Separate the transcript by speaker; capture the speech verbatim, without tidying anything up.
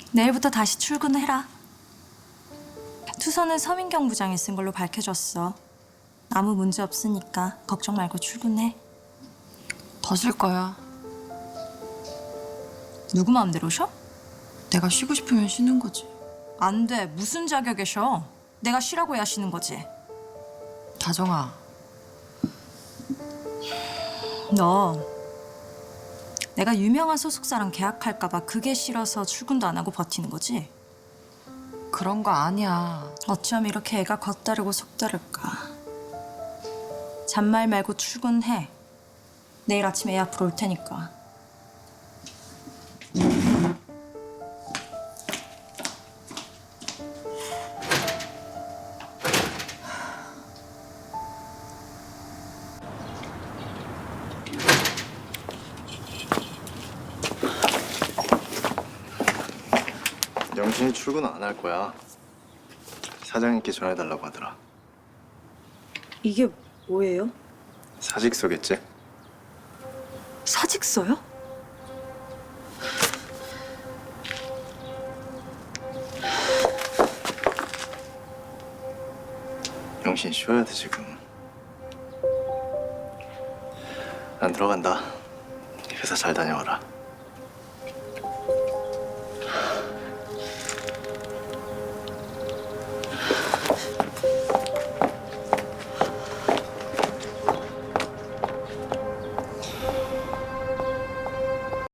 Speaker 1: 내일부터 다시 출근해라. 투서는 서민경 부장이 쓴 걸로 밝혀졌어. 아무 문제 없으니까 걱정 말고 출근해.
Speaker 2: 더 쓸 거야.
Speaker 1: 누구 마음대로 쉬어?
Speaker 2: 내가 쉬고 싶으면 쉬는 거지.
Speaker 1: 안 돼. 무슨 자격에 쉬어? 내가 쉬라고 해야 쉬는 거지.
Speaker 2: 다정아,
Speaker 1: 너 내가 유명한 소속사랑 계약할까 봐 그게 싫어서 출근도 안 하고 버티는 거지?
Speaker 2: 그런 거 아니야.
Speaker 1: 어쩜 이렇게 애가 겉다르고 속다를까. 잔말 말고 출근해. 내일 아침에 애 앞으로 올 테니까.
Speaker 3: 영신이 출근 안 할 거야. 사장님께 전해달라고 하더라.
Speaker 4: 이게 뭐예요?
Speaker 3: 사직서겠지?
Speaker 4: 사직서요?
Speaker 3: 영신 쉬어야 돼 지금. 난 들어간다. 회사 잘 다녀와라.